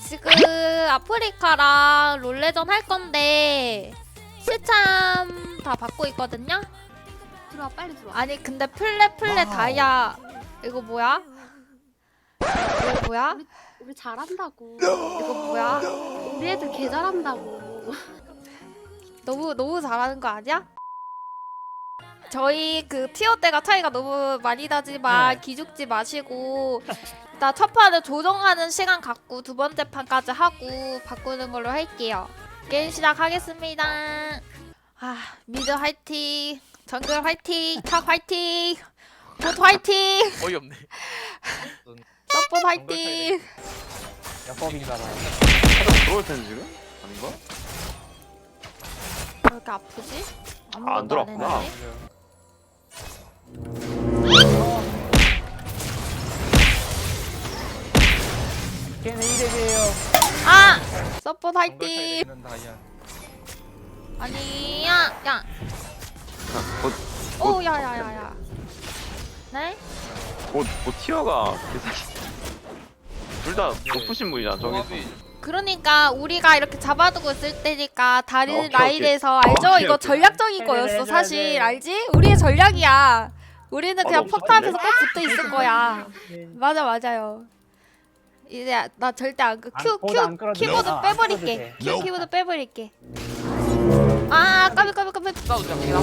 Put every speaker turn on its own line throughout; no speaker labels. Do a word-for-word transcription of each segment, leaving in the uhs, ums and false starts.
지금 아프리카랑 롤레전 할 건데 실참 다 받고 있거든요?
들어와 빨리 들어와.
아니 근데 플레 플레 다이아 이거 뭐야? 이거 뭐야?
우리, 우리 잘한다고.
이거 뭐야?
우리 애들 개 잘한다고.
너무 너무 잘하는 거 아니야? 저희 그 티어대가 차이가 너무 많이 나지만
네.
기죽지 마시고 일단 첫 판을 조정하는 시간 갖고 두 번째 판까지 하고 바꾸는 걸로 할게요. 게임 시작하겠습니다. 아 미드 화이팅, 정글 화이팅, 탑 화이팅, 봇 화이팅,
어이없네.
서폿 화이팅.
야법인가봐.
하다 들어올 텐데 지금? 아닌가?
왜 이렇게 아프지?
아, 안
아무것도
들어왔구나.
했는데?
걔네 이래봬요.
아! 서폿 화이팅!
다이아.
아니야! 야!
곧,
오 야야야야 네?
곧, 곧 티어가 둘 다 높으신 분이잖아 저기.
그러니까 우리가 이렇게 잡아두고 있을 때니까 다른
오케이,
라인에서
오케이.
알죠?
오케이,
이거
오케이.
전략적인
해줘야
거였어
돼,
사실
해줘야 돼.
알지? 우리의 전략이야. 우리는
어,
그냥
너무
포탑에서
좋던데?
꼭 붙어 있을 거야. 맞아 맞아요. 이제 나 절대 안 그, 큐,
보드 안
큐,
끌어도
키보드
돼. 아, 안
빼버릴게.
끌어도
큐, 키보드 빼버릴게. 아 까비 까비 까비.
싸우자. 그냥.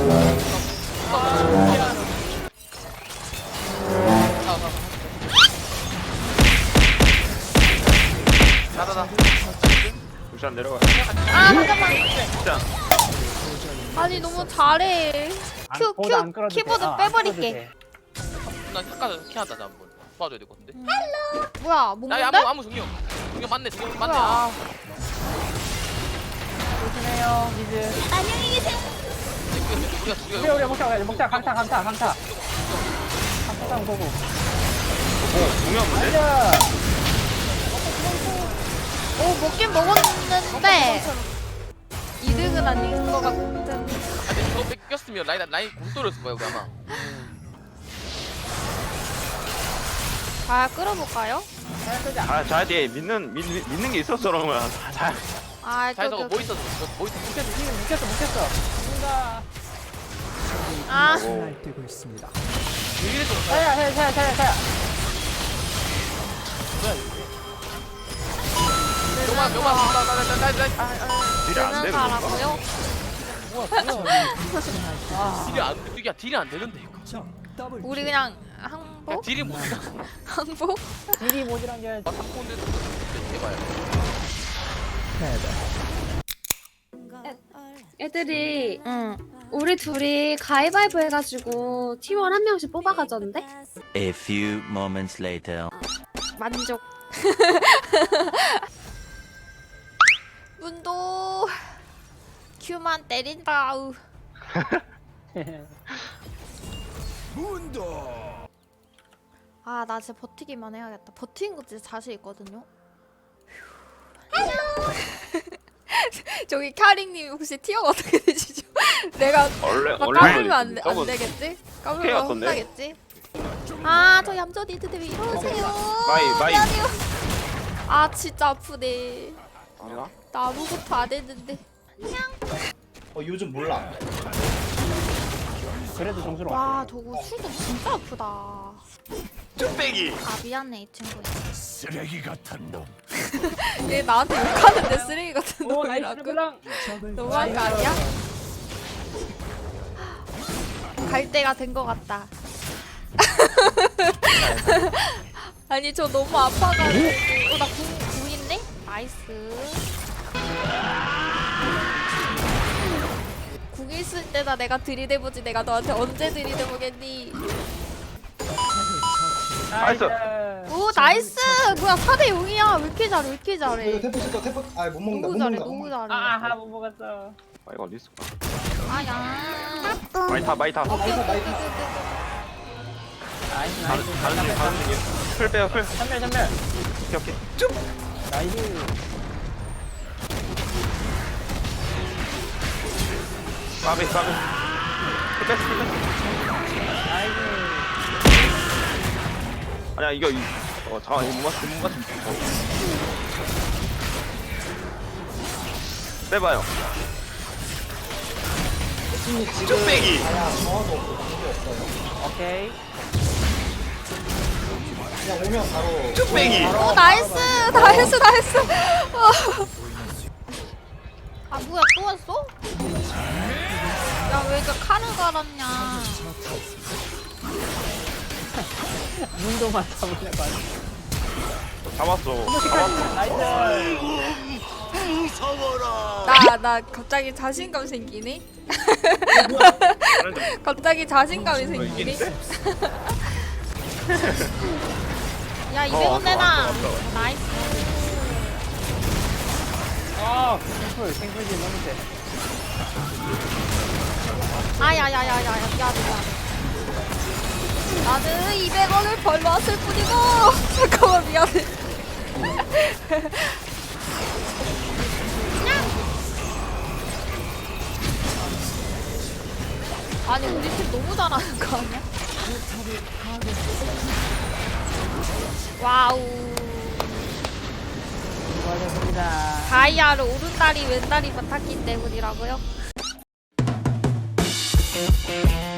나나나.
루시안 내려가.
아 잠깐만.
진짜.
아니 너무 잘해.
안-
큐,
보드
큐,
안 끌어도 돼.
키보드
아, 안
빼버릴게.
끌어도 돼.
나 헷갈려. 키하다 나 한번 도와줘야 될 것 같은데.
뭐야
야,
뭔데?
야, 아무 아무 종이요. 종이 맞네. 종이 맞네. 아.
조심해요, 미즈.
안녕히 계세요.
우리가
우리
죽여.
우리 먹자, 먹자. 강타, 강타, 강타. 강타상 보고.
오, 중요한 문제?
가자.
오 먹긴 먹었는데 이 등은 아닌 것 같은.
아, 근데 저거 뺏겼으면 라인 라인 공 떨어졌을 거야 우리 아마.
자 끌어볼까요?
아, 자, 뒤에 믿는, 믿, 믿는 게 있었어, 그러면. 자,
아
잘
저기
저거 뭐 있었어? 저거 뭐 있었어?
묵혔어, 지금 묵혔어, 묵혔어. 뭔가.
아
오.
되고 있습니다.
이래 좀.
자야, 자야, 자야, 자야, 자야.
명만 명만 나나나나나 아,
딜이 안
되는
되는 건가?
사람고요.
뭐야, 뭐야. 아,
딜이 안 이게 딜이 안 되는데 이거.
점 더블.
우리 그냥
야,
항복?
딜이 못 나.
항복?
딜이 모질한 게.
아, 탁구인데 해봐요.
애들이
응.
우리 둘이 가위바위보 해가지고 팀원 한 명씩 뽑아가졌는데?
A few moments later.
만족. 문도 큐만 때린다. 우. 아, 나 진짜 버티기만 해야겠다. 버티는 거 진짜 자신 있거든요. 저기 카링님 혹시 티어가 어떻게 되시죠? 내가
원래,
막
원래.
까불면 안, 돼- 안
저거
되겠지? 까불면
오케이 같던데?
혼나겠지? 아, 저 얌전히 있는데 왜 이러세요?
마이, 마이.
미안해요. 아, 진짜 아프네.
아니야?
나 아무것도 안 했는데.
어 요즘 몰라.
그래도 점수로
와, 저거 술도 진짜 아프다.
쭈빼기!
아, 미안해, 이 친구.
쓰레기 같은 놈.
얘 나한테 욕하는데 쓰레기 같은
오, 나이스
놈이라고?
블랑.
적을
너무한 거 아니야? 갈 때가 된 것 같다. 아니 저 너무 아파가지고. 어, 나 궁, 궁인데? 나이스. 궁 있을 때나 내가 들이대보지 내가 너한테 언제 들이대보겠니?
나이스.
오 나이스! 뭐야 사 대 영이야. 왜 이렇게 잘해 왜 이렇게
이거
잘해.
태포 쓸까 태포 아못 먹는다
너무
못
잘해
먹는다.
너무 잘해.
아하, 못 먹었어.
아, 이거 어디 있을까?
아야.
많이 타, 많이 타.
오케이 오케이 오케이 오케이.
나이스,
가는
나이스.
중, 가는 중, 가는 중이야. 풀 빼요, 풀.
전멸, 전멸.
오케이, 오케이.
나이스.
까비, 까비. 풀 뺐어, 풀 뺐어.
나이스.
아니야, 이거, 이, 어, 잠깐만, 이거 못 맞, 못 맞추면. 어. 빼봐요.
팀이 지금
뚝배기.
아야 정화도 없고 그게 없어요.
오케이.
그냥 오면 바로.
뚝배기.
바로
오
바로
나이스
바로
나이스 나이스. 어. 아 뭐야 또 왔어? 야 왜 이렇게 칼을 갈았냐?
문도만 잡으려고 하네.
잡았어. 잡았어.
나이스.
나 나 갑자기 자신감 생기네. 갑자기 자신감이 생기네.
이긴데?
야
어,
이백 원
왔어,
내놔.
왔어, 왔어.
나이스.
아, 탱풀, 탱풀지 너무 세.
아야야야야야 미안해 미안해. 나는 이백 원을 벌러 왔을 뿐이고. 잠깐만 미안해. 아니 우리 팀 너무 잘하는 거 아니야? 와우.
수고하셨습니다.
다이아를 오른다리 왼다리만 탔기 때문이라고요?